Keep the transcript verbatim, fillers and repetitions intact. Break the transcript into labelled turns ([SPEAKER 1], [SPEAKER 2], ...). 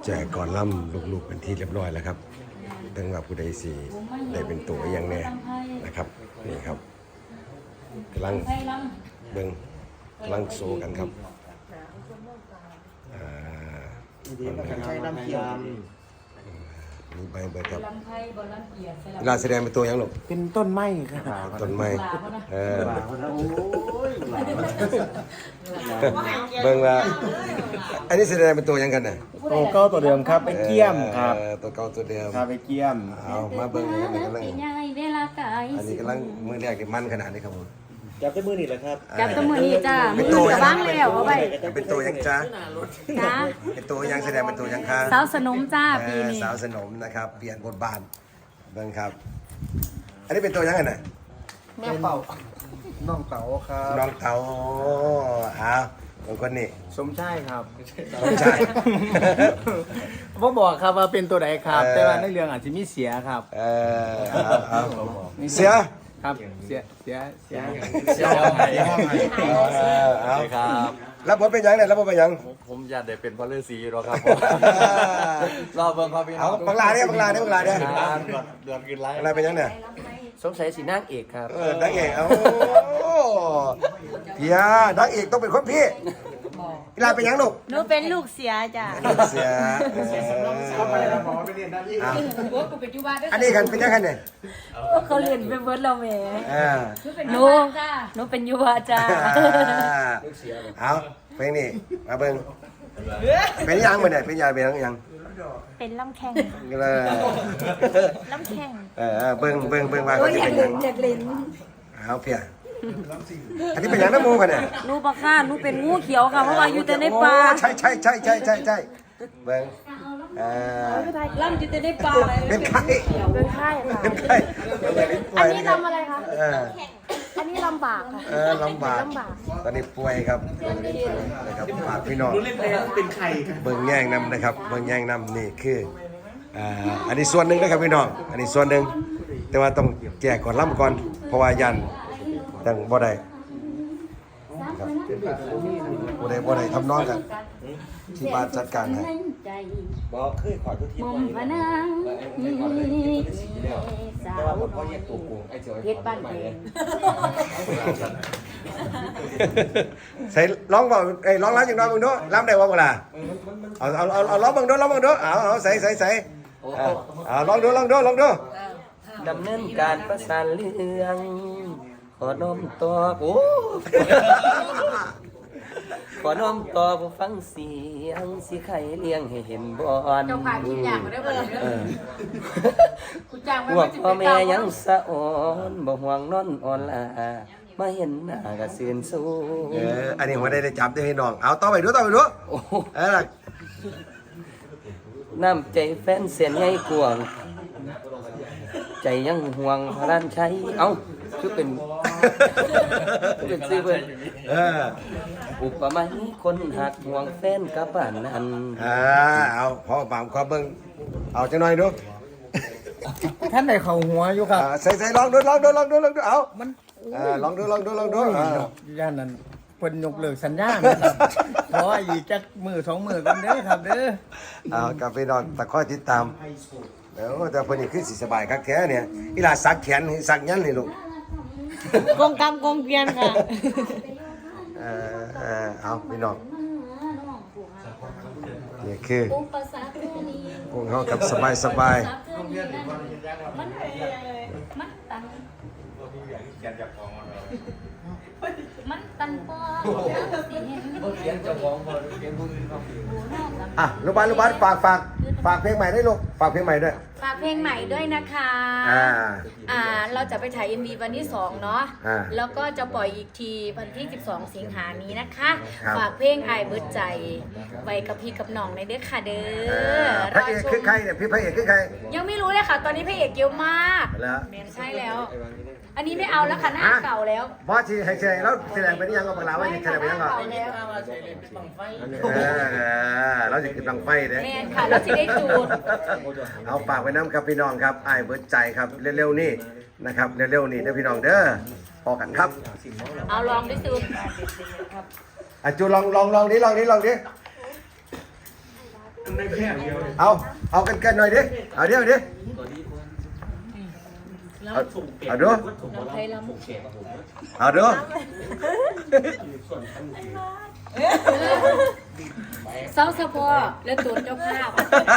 [SPEAKER 1] แจกก่อนล่ำลูกๆเป็นที่เรียบร้อยแล้วครับตั้งว่าผู้ใดสีได้เป็นตัวอย่างแน่นะครับนี่ครับกำลังเบิ่งกำลังโซกันครับอ่ามีใบเบิดครับเวลาแสดงเป็นตัวอย่างหรอก
[SPEAKER 2] เป็นต้นไม้ครับ
[SPEAKER 1] ต้นไม้เออเบิ่งว่าอันนี้แสดงเป็นตัวอย่างกันน่ะ
[SPEAKER 2] ตัวเก้าตัวเดิมครับไปเกี่ยมครับ
[SPEAKER 1] เออตัวเก่าตัวเดิม
[SPEAKER 2] ครับไปเกี่ยม
[SPEAKER 1] เอามาเบิ่งกันนี่กำลังอันนี้กำลังมือแรกนี่มันขนาดนี้ครับผม
[SPEAKER 2] จับได้มือนี่แหละครับ
[SPEAKER 3] จับตัวมือนี้จ้า
[SPEAKER 1] เป็น
[SPEAKER 3] มื
[SPEAKER 1] ตัว
[SPEAKER 3] อจะบ้างแล้วเอาไป
[SPEAKER 1] เป็นตัวยังจ้า
[SPEAKER 3] จ้า
[SPEAKER 1] เป็นตัวยังแสดงเป็นตัวยังคะ
[SPEAKER 3] สาวสนมจ้า
[SPEAKER 1] เอ
[SPEAKER 3] ปี
[SPEAKER 1] อ
[SPEAKER 3] นี้
[SPEAKER 1] สาวสนมนะครับเปลี่ยนบทบาทเบิ่งครับ อันนี้เป็นตัวยังไงน่ะ
[SPEAKER 2] แม่เป่าน้องเต๋าครับ
[SPEAKER 1] น้องเต๋าอ้าวบางคนนี่
[SPEAKER 2] สมชายครับ
[SPEAKER 1] สมชาย
[SPEAKER 2] พ่บอกครับว่าเป็นตัวใดครับ
[SPEAKER 1] เออ
[SPEAKER 2] แต่ว่าในเรื่องอาจจะมีเสียครับ
[SPEAKER 1] เออเอาเอาเสีย
[SPEAKER 2] ครับเสียเสียเสีย
[SPEAKER 4] เสียห้องไหน
[SPEAKER 1] เออเอา
[SPEAKER 4] ครับ
[SPEAKER 1] รับบทเป็นยังเนี่ยรับบทเป็นยัง
[SPEAKER 4] ผมอยากได้เป็นพระฤาษีหรอกครับรอเบิ่งครับพี่น้
[SPEAKER 1] เอา
[SPEAKER 4] อง
[SPEAKER 1] บังลาเนี่ยบังลาเนี่ยบังลาเนี่ย
[SPEAKER 4] เดือนกินไร
[SPEAKER 1] บังลาเป็นยังเนี่ย
[SPEAKER 2] สมชายสีนางเอกครับ
[SPEAKER 1] เออดังเอกเอาพี่ยาดังเอกต้องเป็นคนพี่เวลาเป็นยังลูก
[SPEAKER 3] หนูเป็นลูกเสียจ้า
[SPEAKER 1] เสีย
[SPEAKER 2] เข้าไปแล้วหมอไปเรียนด้านนี้
[SPEAKER 1] อันนี้กันเป็นยังไงเนี่ย
[SPEAKER 3] พวกเขาเรียนเป็นเบิร์ดเราแหม่
[SPEAKER 1] อ่า
[SPEAKER 3] หนูหนูเป็นยุวาจ้า
[SPEAKER 1] เอาเพลงนี้มาเบิ่งเป็นยังมือเนี่ยเป็นยังเป็นยังยัง
[SPEAKER 3] เป็นลำแข้ง
[SPEAKER 1] เลย
[SPEAKER 3] ลำแข้ง
[SPEAKER 1] เออเบิ่งเบิ่งเบิ่งว่า
[SPEAKER 3] โอ้
[SPEAKER 1] เขา
[SPEAKER 3] ย
[SPEAKER 1] จะ
[SPEAKER 3] อยาก
[SPEAKER 1] เป็น
[SPEAKER 3] เล่
[SPEAKER 1] ยัง
[SPEAKER 3] นอยากเล่น
[SPEAKER 1] เอาเพียอันนี้เป็นยังน้ำมูกันเนี่ย
[SPEAKER 3] หนูบักค่ะหนูเป็นงูเขียวค่ะเพราะว่าอยู่แต่ในป่า
[SPEAKER 1] ใช่ใช่ใช่ใช่ใช่ใช่เบิ่งเออ
[SPEAKER 3] ล่ำอยู่แต่ในป่า
[SPEAKER 1] เป็นไข้
[SPEAKER 3] เป็นไข้ค่ะ
[SPEAKER 1] เป็นไข้
[SPEAKER 3] อันนี้ลำอะไรคะ
[SPEAKER 1] เออ
[SPEAKER 3] อันนี้ลำบากค่ะ
[SPEAKER 1] เออลำบาก
[SPEAKER 3] ลำบาก
[SPEAKER 1] ตอนนี้ป่วยครับนะครับฝากพี่น้อง
[SPEAKER 2] เป็นไข่
[SPEAKER 1] เบิ่งแย่งนำนะครับเบิ่งแย่งนำนี่คืออ่าอันนี้ส่วนหนึ่งนะครับพี่น้องอันนี้ส่วนหนึ่งแต่ว่าต้องแจกก่อนล่ำก่อนเพราะว่ายันยังบ่ได้ครับบ่ได้บ่ได้ทำนองกันที่บ้านจัดการให้
[SPEAKER 2] บอกเคยขอทุกที
[SPEAKER 3] มุมพนังสาว
[SPEAKER 2] พ่อแยกตัวกูไอ้เจ้า
[SPEAKER 3] เพชรบ้านเพชร
[SPEAKER 1] ใส่ร้องบ่เอ้ยร้องร้านจังน้อยมึงดูร้ำได้บ่บ่ล่ะเอาเอาเอาเอาร้องมึงดูร้องมึงดูเอาเอาใส่ใส่ใส่เอาเอาลองดูลองดูลองดู
[SPEAKER 2] ดำเนินการประสานเรื่องขอน้อมตัวโอ้ขอน้อมต่อผู้ฟังเสียงสิไข่เลี้ยงให้เห็นบอน
[SPEAKER 3] เจ้าพาคิดอย่างมาได้บ่เลยคุณจ้างไว้
[SPEAKER 2] พว
[SPEAKER 3] ไม่
[SPEAKER 2] ก
[SPEAKER 3] จะ
[SPEAKER 2] พ่อ
[SPEAKER 3] ไป
[SPEAKER 2] แม่
[SPEAKER 3] เก่า
[SPEAKER 2] ยังสะอ่อนบ่ห่วงนอนอ่อนลามาเห็นหน้ากะเสือนสู้
[SPEAKER 1] เอออันนี้ผมได้ได้จับได้ให้น้องเอาต่อไปดูต่อไปดู
[SPEAKER 2] โอ้
[SPEAKER 1] เออล่ะ
[SPEAKER 2] น้ำใจแฟนเสียนใหญ่กวางใจยังห่วงพระรานชัยเอ้าคือเป็นคือเป็นซื้อเพิ่น
[SPEAKER 1] เออ
[SPEAKER 2] อุปมาให้คนหักห่วงแฟนกับบ้านนั้น
[SPEAKER 1] อ่าเอาพอปามขอเบิ่งเอาจังหน่อยดู
[SPEAKER 2] ท่านได้เข้าหัวอยู่ครับ
[SPEAKER 1] อ่าใส่ใส่ลองดูลองดูลองดูลองดูเอามันอ่าลองดูลองดูลองดูอ่า
[SPEAKER 2] ย่านนั้นเพิ่นยกเลิกสัญญานะครับขออีกจักมือสองมือกันเด้อครับเด้อ
[SPEAKER 1] เอากาแฟนอนตะคอยติดตามเดี๋ยวแต่เพิ่นนี่คือสิสบายคักแท้เนี่ยอีหลาสักแขนสักยันนี่ลูก
[SPEAKER 3] กงกรรมกงเกวียนค่ะ
[SPEAKER 1] เออเออเอาพี่น้องนี่คือพวกเขากับสบายสบาย
[SPEAKER 3] มันมันตันมันตันปอ
[SPEAKER 1] อ่ะลูกบ้านลูกบ้านฝากฝากฝากเพลงใหม่ด้วยลูกฝากเพลงใหม่ด้วย
[SPEAKER 3] ฝากเพลงใหม่ด้วยนะคะ
[SPEAKER 1] อ่า
[SPEAKER 3] อ่าเราจะไปถ่าย เอ็ม วี วันที่สองเนาะ
[SPEAKER 1] อ่า
[SPEAKER 3] แล้วก็จะปล่อยอีกทีวันที่สิบสองสิงหานี้นะคะ
[SPEAKER 1] ครับ
[SPEAKER 3] ฝากเพลงอายเบิดใจไว้กับพี่กับน้องในเด้อค่ะเด้
[SPEAKER 1] เอ
[SPEAKER 3] อ
[SPEAKER 1] อพระเอกคือใครเนี่ยพี่พระเอกคือใคร
[SPEAKER 3] ยังไม่รู้เลยค่ะ ตอนนี้พระเอกเยอะมาก
[SPEAKER 1] แล้ว
[SPEAKER 3] ใช่แล้ว อันนี้ไม่เอาแล้วค่ะหน้าเก่าแล้ว
[SPEAKER 1] บอสที่ให้แสดงแล้วแสดงไปนี่ยังก็บอกลาว่าแสดงไปยังก็
[SPEAKER 3] เก่าแล้ว
[SPEAKER 1] เออเราจะกินบังไฟเด้
[SPEAKER 3] แมนค่ะแล้วจะได้จูด
[SPEAKER 1] เอาฝากไว้น้ำครับพี่น้องครับไอ้ายเบิดใจครับเร็วๆนี่นะครับเร็วๆนี่เด้อพี่น้องเด้อพอกันครับ
[SPEAKER 3] เอาลองด้วยจูด
[SPEAKER 1] อ่ะจูลองลองลองนี้ลองนี้ลองนี้เอาเอากันกันหน่อยดิเอาดิเอาดิเอาเอาดู
[SPEAKER 3] น้องไทยลำ
[SPEAKER 1] เอาดู
[SPEAKER 3] เศร้าสะพอและตัวเจ้าภาพ